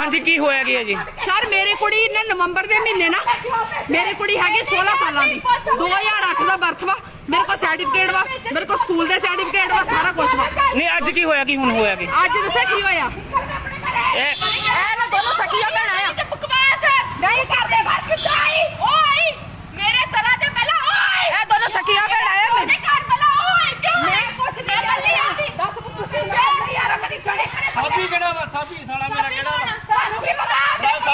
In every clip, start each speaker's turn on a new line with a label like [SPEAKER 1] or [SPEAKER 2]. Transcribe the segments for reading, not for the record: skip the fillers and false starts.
[SPEAKER 1] ਹਾਂਜੀ ਕੀ ਹੋਇਆ ਕੀ ਹੈ ਜੀ?
[SPEAKER 2] ਸਰ ਮੇਰੀ ਕੁੜੀ ਨੇ ਨਵੰਬਰ ਦੇ ਮਹੀਨੇ ਨਾ ਮੇਰੀ ਕੁੜੀ ਹੈਗੀ 16 ਸਾਲਾਂ ਦੀ 2008 ਦਾ ਬਰਥ ਵਾ ਮੇਰੇ ਕੋਲ ਸਰਟੀਫਿਕੇਟ ਵਾ ਮੇਰੇ ਕੋਲ ਸਕੂਲ ਦੇ ਸਰਟੀਫਿਕੇਟ ਵਾ ਸਾਰਾ ਕੁਝ ਵਾ।
[SPEAKER 1] ਨਹੀਂ ਅੱਜ ਕੀ ਹੋਇਆ ਕੀ ਹੁਣ ਹੋਇਆ ਕੀ?
[SPEAKER 2] ਅੱਜ ਦੱਸਿਆ ਕੀ ਹੋਇਆ
[SPEAKER 1] ਇਹ
[SPEAKER 2] ਨਾ ਦੋਨੋਂ ਸਕੀਆਂ ਭੈਣਾਂ ਆ ਬਕਵਾਸ ਨਹੀਂ ਕਰਦੇ ਘਰ ਕਿੱਦਾਂ ਆਈ ਓਏ ਮੇਰੇ ਤਰ੍ਹਾਂ ਦੇ ਪਹਿਲਾਂ ਓਏ ਇਹ ਦੋਨੋਂ ਸਕੀਆਂ ਭੈਣਾਂ ਆ ਮੇਰੇ ਘਰ ਪਹਿਲਾਂ ਓਏ ਕਿਉਂ ਮੈਂ ਕੁਛ ਨਹੀਂ ਕਰਦੀ ਆਂਦੀ ਦੱਸ ਤੁਸੀਂ ਨਹੀਂ ਯਾਰ ਕਦੀ ਚੜੇ
[SPEAKER 3] ਸਾਬੀ ਕਿਹੜਾ ਵਾ? ਸਾਬੀ ਸਾਲਾ ਮੇਰਾ ਕਿਹੜਾ ਵਾ?
[SPEAKER 2] ਸਾਨੂੰ ਕੀ ਪਤਾ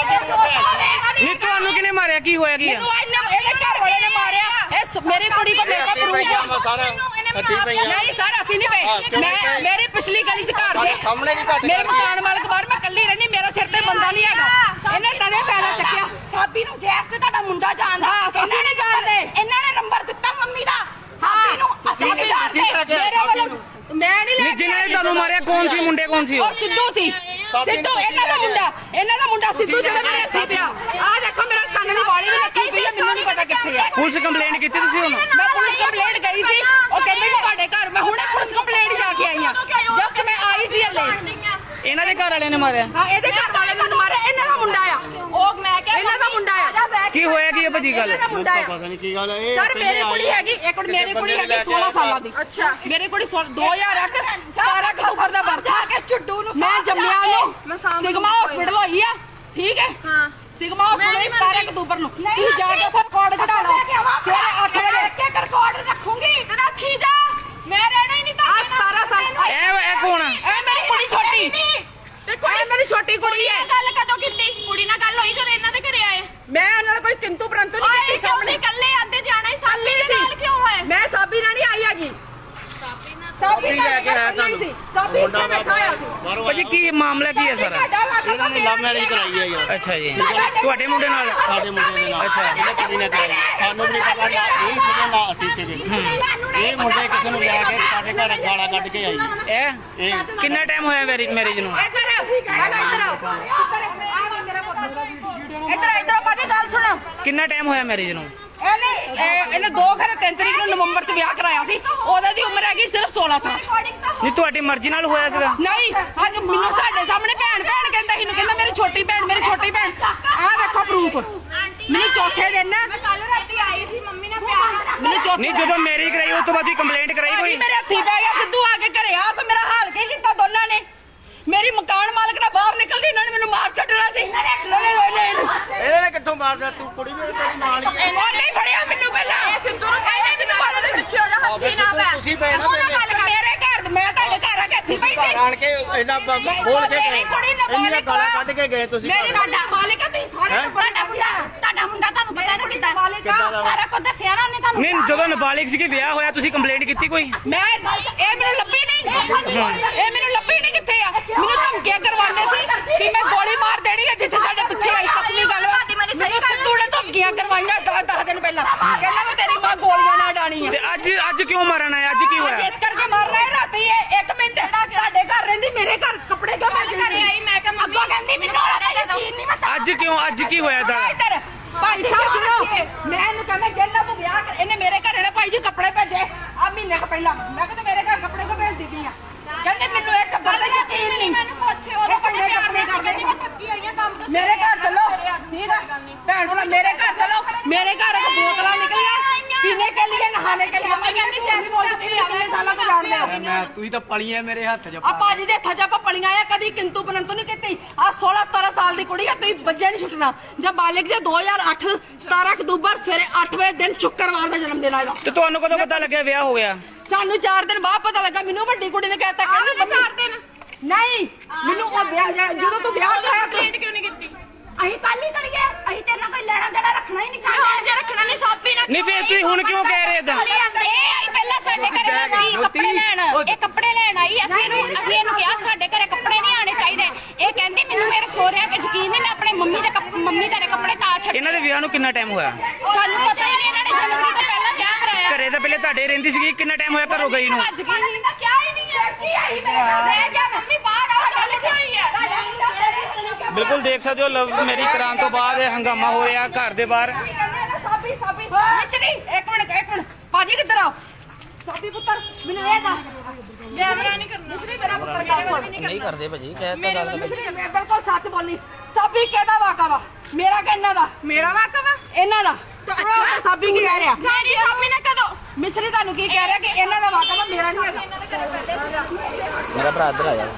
[SPEAKER 1] ਨਹੀਂ ਤੁਹਾਨੂੰ ਕਿਹਨੇ ਮਾਰਿਆ ਕੀ ਹੋਇਆ ਕੀ ਆ?
[SPEAKER 2] ਇਹਦੇ ਘਰ ਵਾਲੇ ਨੇ ਮਾਰਿਆ ਇਹ ਮੇਰੀ ਕੁੜੀ ਕੋ ਮੇਰਾ ਪ੍ਰੂਫ ਆ
[SPEAKER 3] ਸਾਰਾ ਹੱਥੀ ਪਈਆਂ
[SPEAKER 2] ਨਹੀਂ ਸਰ ਅਸੀਂ ਨਹੀਂ ਪਏ ਮੈਂ ਮੇਰੀ ਪਿਛਲੀ ਗਲੀ ਚ ਘਰ ਦੇ
[SPEAKER 3] ਸਾਹਮਣੇ ਵੀ ਘੱਟ
[SPEAKER 2] ਮੇਰੇ ਮਕਾਨ ਮਾਲਕ ਬਾਹਰ ਮੈਂ ਕੱਲੀ ਰਹਿਣੀ ਮੇਰਾ ਸਿਰ ਤੇ ਬੰਦਾ ਨਹੀਂ ਹੈਗਾ ਇਹਨੇ ਤਦੇ ਪੈਦਾ ਚੱਕਿਆ ਸਾਬੀ ਨੂੰ ਜੈਸ ਤੇ ਤੁਹਾਡਾ ਮੁੰਡਾ ਜਾਣਦਾ ਅਸੀਂ ਨਹੀਂ ਜਾਣਦੇ ਇਹਨਾਂ ਨੇ ਨੰਬਰ ਦਿੱਤਾ ਮੰਮੀ ਦਾ ਸਾਬੀ ਨੂੰ ਅਸੀਂ ਨਹੀਂ ਜਾਣਦੇ ਮੇਰੇ ਵੱਲੋਂ ਮੈਂ ਨਹੀਂ ਲੈ
[SPEAKER 1] ਜਿਨ੍ਹਾਂ ਨੇ ਤੁਹਾਨੂੰ ਮਾਰਿਆ ਕੌਣ ਸੀ ਮੁੰਡੇ ਕੌਣ ਸੀ?
[SPEAKER 2] ਉਹ ਸਿੱਧੂ ਸੀ ਸਿੱਧੂ ਇਹਨਾਂ ਦਾ ਮੁੰਡਾ ਸਿੱਧੂ ਜਿਹੜਾ ਮੇਰੇ ਇੱਥੇ ਪਿਆ ਆਹ ਦੇਖੋ ਮੇਰਾ ਕੰਨ ਦੀ ਵਾਲੀ ਵੀ ਲੱਗੀ ਪਈ ਆ ਮੈਨੂੰ ਨਹੀਂ ਪਤਾ ਕਿੱਥੇ ਆ।
[SPEAKER 1] ਪੁਲਿਸ ਕੰਪਲੇਂਟ ਕੀਤੀ ਤੁਸੀਂ ਹੁਣ?
[SPEAKER 2] ਮੈਂ ਪੁਲਿਸ ਕੰਪਲੇਂਟ ਗਈ ਸੀ ਉਹ ਕਹਿੰਦੇ ਕਿ ਤੁਹਾਡੇ ਘਰ ਮੈਂ ਹੁਣੇ ਪੁਲਿਸ ਕੰਪਲੇਂਟ ਜਾ ਕੇ ਆਈ ਆ ਜਸਟ ਮੈਂ ਆਈ ਸੀ ਹਲੇ।
[SPEAKER 1] ਇਹਨਾਂ ਦੇ ਘਰ ਵਾਲਿਆਂ ਨੇ ਮਾਰਿਆ?
[SPEAKER 2] ਹਾਂ ਇਹਦੇ ਘਰ ਵਾਲੇ ਨੇ ਮਾਰਿਆ ਇਹਨਾਂ ਦਾ ਮੁੰਡਾ ਆ ਉਹ ਮੈਂ ਕਿਹਾ ਇਹਨਾਂ ਦਾ ਮੁੰਡਾ ਆ
[SPEAKER 1] ਕੀ ਹੋਇਆ ਕੀ ਹੈ ਭਾਜੀ ਗੱਲ?
[SPEAKER 2] ਇਹਨਾਂ ਦਾ ਮੁੰਡਾ ਆ
[SPEAKER 3] ਪਤਾ ਨਹੀਂ ਕੀ ਗੱਲ ਹੈ
[SPEAKER 2] ਸਰ ਮੇਰੀ ਕੁੜੀ ਹੈਗੀ ਇੱਕ ਮਿੰਟ ਮੇਰੀ ਕੁੜੀ ਹੈਗੀ 16 ਸਾਲਾਂ ਦੀ ਅੱਛਾ ਮੇਰੀ ਕੁੜੀ 2008 17 ਅਕਤੂਬਰ ਦਾ ਬਰਥ ਆ ਕੇ ਚੁੱਡੂ ਨੂੰ ਮੈਂ ਜੰਮਿਆ ਨੂੰ ਸਿਗਮਾ ਹਸਪੀਟਲ ਹੋਈ ਆ ਠੀਕ ਹੈ ਹਾਂ ਸਿਗਮਾ ਹਸਪੀਟਲ 17 ਅਕਤੂਬਰ ਨੂੰ ਤੁਸੀਂ ਜਾ ਕੇ ਫਿਰ ਰਿਕਾਰਡ ਕਢਾ ਲਓ ਸਵੇਰੇ 8 ਵਜੇ ਇੱਕ ਰਿਕਾਰਡ ਰੱਖੂੰਗੀ ਰੱਖੀ ਜਾ ਮੈਂ ਰਹਿਣਾ ਹੀ ਨਹੀਂ ਤਾਂ 17 ਸਾਲ
[SPEAKER 1] ਇਹ ਕੌਣ ਆ?
[SPEAKER 2] ਇਹ ਮੇਰੀ ਕੁੜੀ ਛੋਟੀ ਦੇਖੋ ਇਹ ਮੇਰੀ ਛੋਟੀ ਕੁੜੀ ਹੈ ਗੱਲ ਕਦੋਂ ਕੀਤੀ ਕੁੜੀ ਨਾਲ ਗੱਲ ਹੋਈ ਜਦੋਂ ਇਹਨਾਂ ਦੇ ਘਰੇ ਆਏ ਮੈਂ ਉਹਨਾਂ ਨਾਲ ਕੋਈ ਕਿੰਤੂ ਪਰੰਤੂ ਨਹੀਂ ਕੀਤੀ ਸਾਹਮਣੇ ਇਕੱਲੇ ਆਂਦੇ ਜਾਣਾ ਹੀ ਸਾਬੀ ਦੇ ਨਾਲ ਕਿਉਂ ਹੋਏ ਮੈਂ ਸਾਬੀ ਨਾਲ ਨਹੀਂ ਆਈ ਹੈਗੀ ਸਾਬੀ ਲੈ ਕੇ ਆਇਆ ਤੁਹਾਨੂੰ ਸਾਬੀ ਇੱਥੇ ਬੈਠਾ ਹੋਇਆ ਸੀ
[SPEAKER 1] ਭਾਜੀ ਕੀ ਮਾਮਲਾ ਕੀ ਹੈ ਸਾਰਾ?
[SPEAKER 3] ਇਹਨਾਂ ਨੇ ਲਵ ਮੈਰਿਜ ਕਰਾਈ ਹੈ ਯਾਰ
[SPEAKER 1] ਅੱਛਾ ਜੀ ਤੁਹਾਡੇ ਮੁੰਡੇ ਨਾਲ?
[SPEAKER 3] ਸਾਡੇ ਮੁੰਡੇ ਦੇ ਨਾਲ
[SPEAKER 1] ਅੱਛਾ।
[SPEAKER 3] ਇਹਨੇ ਕੁੜੀ ਨੇ ਕਰਾਈ ਸਾਨੂੰ ਵੀ ਨਹੀਂ ਪਤਾ ਨਾ ਇਹ ਸੀਗੇ ਨਾ ਅਸੀਂ ਸੀਗੇ ਇਹ ਮੁੰਡੇ ਕਿਸੇ ਨੂੰ ਲੈ ਕੇ ਸਾਡੇ ਘਰ ਗਾਲਾਂ ਕੱਢ ਕੇ ਆਈ
[SPEAKER 1] ਇਹ ਕਿੰਨਾ ਟਾਈਮ ਹੋਇਆ ਮੈਰਿਜ ਨੂੰ?
[SPEAKER 2] ਇੱਧਰ ਬਾਜੀ ਗੱਲ ਸੁਣੋ
[SPEAKER 1] ਕਿੰਨਾ ਟਾਈਮ ਹੋਇਆ ਮੈਰਿਜ ਨੂੰ?
[SPEAKER 2] ਇਹਨੇ 2 ਘਰੇ 3 ਤਰੀਕ ਨੂੰ ਨਵੰਬਰ ਚ ਵਿਆਹ ਕਰਾਇਆ ਸੀ ਉਹਦੇ ਦੀ ਉਮਰ ਹੈਗੀ ਸਿਰਫ 16 ਸਾਲ
[SPEAKER 1] ਨਹੀਂ ਤੁਹਾਡੀ ਮਰਜ਼ੀ ਨਾਲ ਹੋਇਆ ਸੀਗਾ?
[SPEAKER 2] ਨਹੀਂ ਅੱਜ ਮੈਨੂੰ ਸਾਡੇ ਸਾਹਮਣੇ ਭੈਣ ਕਹਿੰਦਾ ਸੀ ਕਹਿੰਦਾ ਮੇਰੀ ਛੋਟੀ ਭੈਣ ਆਹ ਦੇਖੋ ਪ੍ਰੂਫ ਮੈਨੂੰ ਚੌਥੇ ਦਿਨ ਨਾ ਮੈਂ ਕੱਲ ਰਾਤੀ ਆਈ ਸੀ ਮੰਮੀ ਨਾਲ ਪਿਆਰ ਮੈਨੂੰ
[SPEAKER 1] ਨਹੀਂ ਜਦੋਂ ਮੈਰਿਜ ਕਰਾਈ ਉਸ ਤੋਂ ਬਾਅਦ ਹੀ ਕੰਪਲੇਂਟ ਕਰਾਈ ਕੋਈ?
[SPEAKER 2] ਮੇਰੇ ਹੱਥੀ ਪੈ ਗਿਆ ਸਿੱਧੂ ਆ ਕੇ ਘਰੇ ਆਪ ਮੇਰਾ ਹਾਲ ਕੀ ਕੀਤਾ ਦੋਨਾਂ ਨੇ ਮੇਰੀ ਮਕਾਨ ਮਾਲਕ ਨਾਲ ਬਾਹਰ ਨਿਕਲਦੀ ਇਹਨਾਂ ਨੇ ਮੈਨੂੰ ਮਾਰ ਛੱਡਣਾ ਸੀ
[SPEAKER 3] ਇਹਨੇ ਨੇ ਕਿੱਥੋਂ ਮਾਰਦਾ ਤੂੰ ਕੁੜੀ ਵੀ ਤੇਰੀ ਨਾਲ ਹੀ
[SPEAKER 2] ਇਹਨਾਂ ਨੇ ਫੜਿਆ ਮੈਨੂੰ ਪਹਿਲਾਂ ਇਹ ਸਿੱਧੂ ਨੂੰ ਕਹਿੰਦੇ ਮੈਨੂੰ ਮਾਰਨ ਦੇ ਪਿੱਛੇ ਹੋ ਜਾ ਹੱਥੀ ਨਾ ਪੈ
[SPEAKER 3] ਤੁਸੀਂ ਪੈ ਨਾ
[SPEAKER 2] ਮੇਰੇ ਘਰ ਮੈਂ ਤੁਹਾਡੇ ਘਰ ਆ ਕੇ ਹੱਥੀ ਪਈ ਸੀ
[SPEAKER 3] ਆਣ ਕੇ ਇਹਨਾਂ ਬੋਲ ਕੇ ਗਏ ਇੰਨੀਆਂ ਗਾਲਾਂ ਕੱਢ ਕੇ ਗਏ ਤੁਸੀਂ
[SPEAKER 2] ਮੇਰੀ ਤੁਹਾਡਾ ਮਾਲਕ ਆ ਤੁਸੀਂ ਸਾਰੇ ਤੁਹਾਡਾ ਮੁੰਡਾ ਤੁਹਾਨੂੰ ਪਤਾ ਨਹੀਂ ਕਿੱਦਾਂ ਮਾਲਕ ਸਾਰਾ ਕੁਝ ਦੱਸਿਆ ਨਾ ਉਹਨੇ ਤੁਹਾਨੂੰ
[SPEAKER 1] ਨਹੀਂ ਜਦੋਂ ਨਾਬਾਲਿਗ ਸੀ ਕਿ ਵਿਆਹ ਹੋਇਆ ਤੁਸੀਂ ਕੰਪਲੇਂਟ ਕੀਤੀ ਕੋਈ?
[SPEAKER 2] ਮੈਂ ਇਹ ਮੈਨੂੰ ਲੱਭੀ ਨਹੀਂ ਕਿੱਥੇ ਆ ਮੈਨੂੰ ਧਮਕੀਆਂ ਕਰਵਾਉਂਦੇ ਸੀ ਕਿ ਮੈਂ ਗੋਲੀ ਮਾਰ ਦੇਣੀ ਹੈ ਜਿੱਥੇ ਸਾਡੇ ਪਿੱਛੇ ਆਈ ਕਸਮੀ ਗੱਲ ਮੈਨੂੰ ਸਿੱਧੂ ਨੇ ਧਮਕੀਆਂ ਕਰਵਾਈਆਂ 10 ਦਿਨ ਪਹਿਲਾਂ ਕਹਿੰਦਾ ਮੈਂ ਤੇਰੀ ਮਾਂ ਗੋਲੀਆਂ ਨਾਲ ਡਾਣੀ ਆ
[SPEAKER 1] ਤੇ ਅੱਜ ਕਿਉਂ ਮਾਰਨ ਆਇਆ? ਅੱਜ ਕੀ ਹੋਇਆ?
[SPEAKER 2] ਇਸ ਕਰਕੇ ਮਾਰ ਰਿਹਾ ਰਾਤੀ ਇਹ 1 ਮਿੰਟ ਤੁਹਾਡੇ ਘਰ ਰਹਿੰਦੀ ਮੇਰੇ ਘਰ ਕੱਪੜੇ ਕਿਉਂ ਮੈਂ ਘਰੇ ਆਈ ਮੈਂ ਕਿਹਾ ਮੰਮੀ ਕਹਿੰਦੀ ਮੈਨੂੰ ਯਕੀਨ ਨਹੀਂ ਮੈਂ
[SPEAKER 1] ਅੱਜ ਕੀ ਹੋਇਆ ਦਾ?
[SPEAKER 2] ਇੱਧਰ ਭਾਈ ਸਾਹਿਬ ਸੁਣੋ ਮੈਂ ਇਹਨੂੰ ਕਹਿੰਦਾ ਜੇਲਾ ਤੋਂ ਵਿਆਹ ਕਰ ਇਹਨੇ ਮੇਰੇ ਘਰ ਨੇ ਭਾਈ ਜੀ ਕੱਪੜੇ ਭੇਜੇ ਆ ਮਹੀਨੇ ਕੁ ਪਹਿਲਾਂ ਮੈਂ ਕਹਿੰਦਾ ਮੇਰੇ ਘਰ ਕੱਪੜੇ ਕਿਉਂ ਭੇਜ ਦਿੱਤੀ ਆ ਕਹਿੰਦੇ ਮੈਨੂੰ ਇਹ ਟੱਬਰ ਦਾ ਯਕੀਨ ਨਹੀਂ ਮੈਨੂੰ ਪੁੱਛੇ ਉਹਦੇ ਕੱਪੜੇ ਕਰਦੇ ਨਹੀਂ ਮੈਂ ਥੱਕੀ ਆਈ ਆ ਕੰਮ ਤੋਂ ਮੇਰੇ ਘਰ ਚੱਲੋ ਠੀਕ ਆ ਭੈਣ ਨੂੰ ਮੇਰੇ ਘਰ ਚੱਲੋ ਮੇਰੇ ਘਰ ਇੱਕ ਬੋਤਲਾਂ ਨਿਕਲੀਆਂ ਪੀਣੇ ਕੇ ਲਈ ਨਹਾਣੇ ਕੇ ਲਈ ਮੈਂ ਕਹਿੰਦੀ ਸੈਸ ਬੋਲਦੀ ਕਿੰਨੇ ਸਾਲਾਂ ਤੋਂ ਜਾਣਦੇ ਆ
[SPEAKER 3] ਮੈਂ ਤੂੰ ਤਾਂ ਪਲੀਆਂ ਮੇਰੇ ਹੱਥ 'ਚ
[SPEAKER 2] ਆ ਭਾਜੀ ਦੇ ਹੱਥਾਂ 'ਚ ਆਪਾਂ ਪਲੀਆਂ ਆ ਕਦੀ ਕਿੰਤੂ ਪਰੰਤੂ ਨਹੀਂ ਕੀਤੀ ਆ 16 17 ਸਾਲ ਦੀ ਕੁੜੀ ਆ ਤੁਸੀਂ ਬੱਜੇ ਨਹੀਂ ਛੁੱਟਣਾ ਜਾਂ ਬਾਲਿਕ ਜੇ 2008 17 ਅਕਤੂਬਰ ਸਵੇਰੇ 8 ਵਜੇ ਦਿਨ ਸ਼ੁੱਕਰਵਾਰ ਦਾ ਜਨਮ ਦਿਨ ਆਇਆ
[SPEAKER 1] ਤੇ ਤੁਹਾਨੂੰ ਕਦੋਂ ਪਤਾ ਲੱਗਿਆ ਵਿਆਹ ਹੋ ਗਿਆ?
[SPEAKER 2] ਸਾਨੂੰ 4 ਦਿਨ ਬਾਅਦ ਪਤਾ ਲੱਗਾ ਮੈਨੂੰ ਵੱਡੀ ਕੁੜੀ ਨੇ ਕਹਿਤਾ ਕਹਿੰਦੀ 4 ਦਿਨ ਨਹੀਂ ਮੈਨੂੰ ਉਹ ਵਿਆਹ ਜਦੋਂ ਤੂੰ ਵਿਆਹ ਕਰਾਇਆ ਤੂੰ ਕਿਉਂ ਨਹੀਂ ਕੀਤੀ ਅਸੀਂ ਕੱਲ ਹੀ ਕਰੀਏ ਅਸੀਂ ਤੇਰੇ ਨਾਲ ਕੋਈ ਲੈਣਾ ਦੇਣਾ ਰੱਖਣਾ ਹੀ ਨਹੀਂ ਚਾਹੁੰਦੇ ਜੇ ਰੱਖਣਾ ਨਹੀਂ ਸਾਬੀ ਨਾ
[SPEAKER 1] ਨਹੀਂ ਫੇਰ ਤੁਸੀਂ ਹੁਣ ਕਿਉਂ ਕਹਿ ਰਹੇ ਇਦਾਂ?
[SPEAKER 2] ਇਹ ਆਈ ਪਹਿਲਾਂ ਸਾਡੇ ਘਰੇ ਆਈ ਕੱਪੜੇ ਲੈਣ ਇਹ ਕੱਪੜੇ ਲੈਣ ਆਈ ਅਸੀਂ ਇਹਨੂੰ ਕਿਹਾ ਸਾਡੇ ਘਰੇ ਕੱਪੜੇ ਨਹੀਂ ਆਣੇ ਚਾਹੀਦੇ ਇਹ ਕਹਿੰਦੀ ਮੈਨੂੰ ਮੇਰੇ ਸਹੁਰਿਆਂ ਤੇ ਯਕੀਨ ਨਹੀਂ ਮੈਂ ਆਪਣੇ ਮੰਮੀ ਦੇ ਕੱਪੜੇ ਤਾਂ ਛੱਡ
[SPEAKER 1] ਇਹਨਾਂ ਦੇ ਵਿਆਹ ਨੂੰ ਕਿੰਨਾ ਟਾਈਮ ਹੋਇਆ?
[SPEAKER 2] ਸਾਨੂੰ ਪਤਾ ਹੀ ਨਹੀਂ ਇਹਨਾਂ ਨੇ ਜਨਵਰੀ ਤੋਂ ਪਹਿਲਾਂ ਵਿਆਹ ਕਰਾਇਆ
[SPEAKER 1] ਘਰੇ ਤਾਂ ਪਹਿਲੇ ਤੁਹਾਡੇ ਰਹਿੰਦੀ ਸੀਗੀ ਕਿੰਨਾ ਟਾਈਮ ਹੋਇਆ ਘਰੋਂ ਗਈ ਨੂੰ?
[SPEAKER 2] ਅੱਜ ਕੀ ਨਹੀਂ ਕਿਹਾ ਹੀ ਨਹੀਂ ਹੈ ਕੀ ਆਈ ਮੈਂ ਕਿਹਾ ਮੰਮੀ ਬਾਹਰ ਆ ਗੱਲ ਕੀ ਹੋਈ ਹੈ
[SPEAKER 1] ਬਿਲਕੁਲ ਦੇਖ ਸਕਦੇ ਹੋ ਲਵ ਮੈਰਿਜ ਕਰਾਉਣ ਤੋਂ ਬਾਅਦ ਇਹ ਹੰਗਾਮਾ ਹੋ ਰਿਹਾ ਘਰ ਦੇ ਬਾਹਰ।
[SPEAKER 2] ਸਾਬੀ ਮਿਸ਼ਰੀ ਇੱਕ ਮਿੰਟ ਭਾਜੀ ਕਿੱਧਰ ਆਓ ਸਾਬੀ ਪੁੱਤਰ ਮੈਨੂੰ ਇਹ ਦੱਸ ਕੈਮਰਾ ਨਹੀਂ ਕਰਨਾ ਮਿਸਰੀ ਮੇਰਾ ਪੁੱਤਰ ਕੰਮ
[SPEAKER 4] ਨਹੀਂ ਕਰਦੇ ਭਾਜੀ ਕਹਿ ਤਾ ਗੱਲ
[SPEAKER 2] ਮਿਸਰੀ ਮੈਂ ਬਿਲਕੁਲ ਸੱਚ ਬੋਲੀ ਸਾਬੀ ਕਿਹਦਾ ਵਾਕਾ ਵਾ ਮੇਰਾ ਕਿ ਇਹਨਾਂ ਦਾ ਮੇਰਾ ਵਾਕਾ ਵਾ ਇਹਨਾਂ ਦਾ ਅੱਛਾ ਸਾਬੀ ਕੀ ਕਹਿ ਰਿਹਾ ਮੇਰੀ ਸਾਬੀ ਨੇ ਕਦੋਂ ਮਿਸਰੀ ਤੁਹਾਨੂੰ ਕੀ ਕਹਿ ਰਿਹਾ ਕਿ ਇਹਨਾਂ ਦਾ ਵਾਕਾ ਵਾ ਮੇਰਾ ਨਹੀਂ ਹੈਗਾ
[SPEAKER 4] ਮੇਰਾ ਭਰਾ ਇੱਧਰ ਆ ਜਾ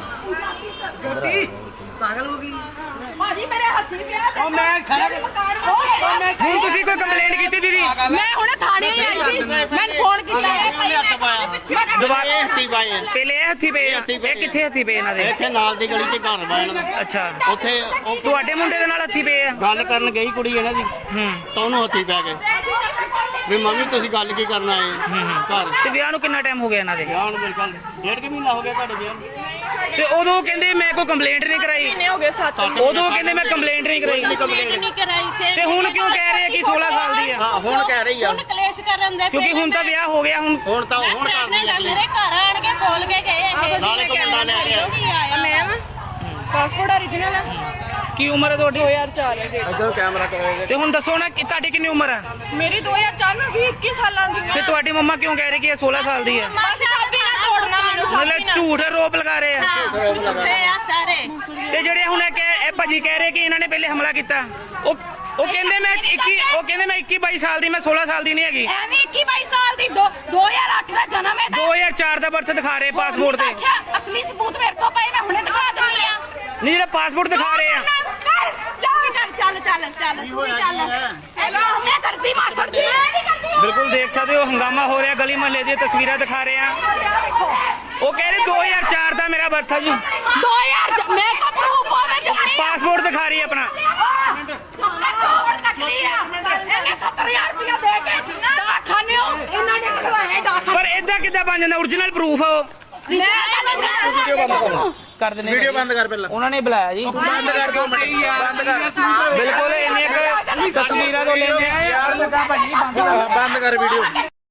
[SPEAKER 2] ਭਾਜੀ ਮੇਰੇ ਹੱਥੀ ਪਿਆ ਤੇ
[SPEAKER 3] ਉਹ ਮੈਂ ਖੜਾ
[SPEAKER 1] ਹੁਣ ਤੁਸੀਂ ਕੋਈ ਕੰਪਲੇਂਟ ਕੀਤੀ ਦੀਦੀ
[SPEAKER 2] ਮੈਂ ਹੁਣੇ ਥਾਣੇ ਹੀ ਆਈ ਸੀ ਮੈਨੂੰ ਫੋਨ ਕੀਤਾ
[SPEAKER 3] ਉਹਨੇ ਹੱਥ ਪਾਇਆ
[SPEAKER 1] ਦੁਬਾਰਾ
[SPEAKER 3] ਇਹ ਹੱਥੀ ਪਾਏ ਆ।
[SPEAKER 1] ਪਹਿਲੇ ਇਹ ਹੱਥੀ ਪਏ ਆ ਇਹ ਕਿੱਥੇ ਹੱਥੀ ਪਏ ਇਹਨਾਂ ਦੇ
[SPEAKER 3] ਇੱਥੇ ਨਾਲ ਦੀ ਗਲੀ 'ਚ ਘਰ ਵਾ ਇਹਨਾਂ ਦਾ
[SPEAKER 1] ਅੱਛਾ
[SPEAKER 3] ਉੱਥੇ ਉਹ
[SPEAKER 1] ਤੁਹਾਡੇ ਮੁੰਡੇ ਦੇ ਨਾਲ ਹੱਥੀ ਪਏ ਆ
[SPEAKER 3] ਗੱਲ ਕਰਨ ਗਈ ਕੁੜੀ ਇਹਨਾਂ ਦੀ
[SPEAKER 1] ਹੂੰ
[SPEAKER 3] ਤਾਂ ਉਹਨੂੰ ਹੱਥੀ ਪੈ ਗਏ ਵੀ ਮੰਮੀ ਤੁਸੀਂ ਗੱਲ ਕੀ ਕਰਨ ਆਏ ਘਰ
[SPEAKER 1] ਤੇ ਵਿਆਹ ਨੂੰ ਕਿੰਨਾ ਟਾਈਮ ਹੋ ਗਿਆ ਇਹਨਾਂ ਦੇ
[SPEAKER 3] ਵਿਆਹ ਨੂੰ ਮੇਰੇ ਖਿਆਲ 1.5 ਮਹੀਨਾ ਹੋ ਗਿਆ ਤੁਹਾਡੇ ਵਿਆਹ ਨੂੰ
[SPEAKER 1] ਤੇ ਉਦੋਂ ਕਹਿੰਦੇ ਮੈਂ ਕੋਈ ਕੰਪਲੇਂਟ ਨਹੀਂ ਕਰਾਈ
[SPEAKER 2] ਹੋ ਗਏ 7
[SPEAKER 1] ਉਦੋਂ ਕਹਿੰਦੇ ਮੈਂ ਕੰਪਲੇਂਟ ਨਹੀਂ ਕਰਾਈ
[SPEAKER 5] ਨਹੀਂ ਕਰਾਈ ਸੀ
[SPEAKER 1] ਤੇ ਹੁਣ ਕਿਉਂ ਕਹਿ ਰਹੇ ਆ ਕਿ 16 ਸਾਲ ਦੀ ਆ
[SPEAKER 3] ਹਾਂ ਹੁਣ ਕਹਿ ਰਹੀ ਆ
[SPEAKER 5] ਹੁਣ ਕਲੇਸ਼ ਕਰਨ ਦੇ
[SPEAKER 1] ਕਿਉਂਕਿ ਹੁਣ ਤਾਂ ਵਿਆਹ ਹੋ ਗਿਆ ਹੁਣ
[SPEAKER 3] ਹੁਣ ਤਾਂ ਹੁਣ ਕਰਦੀ ਆ
[SPEAKER 5] ਮੇਰੇ ਘਰ ਆਣ ਕੇ ਬੋਲ ਕੇ ਗਏ ਇਹ
[SPEAKER 3] ਨਾਲੇ ਕੋਈ ਮੁੰਡਾ ਲੈ ਕੇ ਆਇਆ
[SPEAKER 5] ਮੈਂ
[SPEAKER 2] ਪਾਸਪੋਰਟ origignal ਹੈ
[SPEAKER 1] ਕੀ ਉਮਰ ਹੈ ਤੁਹਾਡੀ
[SPEAKER 2] 2004 ਹੈ
[SPEAKER 3] ਇੱਧਰ ਕੈਮਰਾ ਕਰੋਗੇ
[SPEAKER 1] ਤੇ ਹੁਣ ਦੱਸੋ ਨਾ ਕਿ ਤੁਹਾਡੀ ਕਿੰਨੀ ਉਮਰ ਹੈ
[SPEAKER 2] ਮੇਰੀ 2004 ਨੂੰ 21 ਸਾਲਾਂ ਦੀ
[SPEAKER 1] ਤੇ ਤੁਹਾਡੀ ਮੰਮਾ ਕਿਉਂ ਕਹਿ ਰਹੇ ਕਿ ਇਹ 16 ਸਾਲ ਦੀ ਹੈ
[SPEAKER 2] ਬਸ ਸਾਬੀ ਨਾ ਤੋੜਨਾ ਮੈਨੂੰ
[SPEAKER 1] ਮਤਲਬ ਝੂਠ ਆਰੋਪ ਲਗਾ ਰਹੇ ਆ
[SPEAKER 5] ਝੂਠੇ ਆ ਸਾਰੇ
[SPEAKER 1] ਤੇ ਜਿਹੜੇ ਹੁਣ ਇਹ ਭਾਜੀ ਕਹਿ ਰਹੇ ਕਿ ਇਹਨਾਂ ਨੇ ਪਹਿਲੇ ਹਮਲਾ ਕੀਤਾ ਉਹ ਕਹਿੰਦੇ ਮੈਂ 21 22 ਸਾਲ ਦੀ ਮੈਂ 16 ਸਾਲ ਦੀ ਨਹੀਂ ਹੈਗੀ
[SPEAKER 2] ਐਵੇਂ 21 22 ਸਾਲ ਦੀ 2008 ਦਾ ਜਨਮ ਹੈ
[SPEAKER 1] 2004 ਦਾ ਬਰਥ ਦਿਖਾ ਰਹੇ ਪਾਸਪੋਰਟ ਤੇ
[SPEAKER 2] ਅੱਛਾ ਅਸਲੀ ਸਬੂਤ ਮੇਰੇ ਕੋਲ ਪਏ ਮੈਂ ਹੁਣੇ ਦਿਖਾ ਦਿੰਦੀ ਆ
[SPEAKER 1] ਨਹੀਂ ਜਿਹੜਾ ਪਾਸਪੋਰਟ ਦਿਖਾ ਰਹੇ ਆ
[SPEAKER 2] ਚੱਲ ਮੈਂ ਕਰਦੀ ਮਾਸੜ ਜੀ ਨਹੀਂ ਕਰਦੀ
[SPEAKER 1] ਬਿਲਕੁਲ ਦੇਖ ਸਕਦੇ ਹੋ ਹੰਗਾਮਾ ਹੋ ਰਿਹਾ ਗਲੀ ਮਹੱਲੇ ਦੀਆਂ ਤਸਵੀਰਾਂ ਦਿਖਾ ਰਹੇ ਆ ਉਹ ਕਹਿ ਰਹੇ 2004 ਦਾ ਮੇਰਾ ਬਰਥ ਹੈ ਜੀ
[SPEAKER 2] 2000 ਮੈਂ ਕੋ ਪ੍ਰੂਫ ਹੋਵੇ ਜਮਣੀ
[SPEAKER 1] ਪਾਸਪੋਰਟ ਦਿਖਾ ਰਹੀ ਹੈ ਆਪਣਾ
[SPEAKER 2] ਨਕਲੀ ਆ ਇਹਨੇ 70000 ਰੁਪਇਆ ਦੇ ਕੇ ਡਾਕਖਾਨਿਓ ਇਹਨਾਂ ਨੇ ਕਢਵਾਏ ਡਾਕਖਾਨੇ
[SPEAKER 1] ਪਰ ਇਦਾਂ ਕਿੱਦਾਂ ਬਣ ਜਾਂਦਾ ਓਰੀਜਨਲ ਪ੍ਰੂਫ ਕਰ ਦਿੰਦੇ ਵੀਡੀਓ ਬੰਦ ਕਰ ਪਹਿਲਾਂ ਉਹਨਾਂ ਨੇ ਬੁਲਾਇਆ ਜੀ
[SPEAKER 3] ਬੰਦ ਕਰ ਦੋ ਬੰਦ ਕਰ
[SPEAKER 1] ਬਿਲਕੁਲ ਇਹਨੇ ਇੱਕ ਤਸਵੀਰਾਂ ਤੋਂ ਲੈਂਦੇ ਆ ਯਾਰ ਭਾਜੀ ਬੰਦ
[SPEAKER 3] ਬੰਦ ਕਰ ਵੀਡੀਓ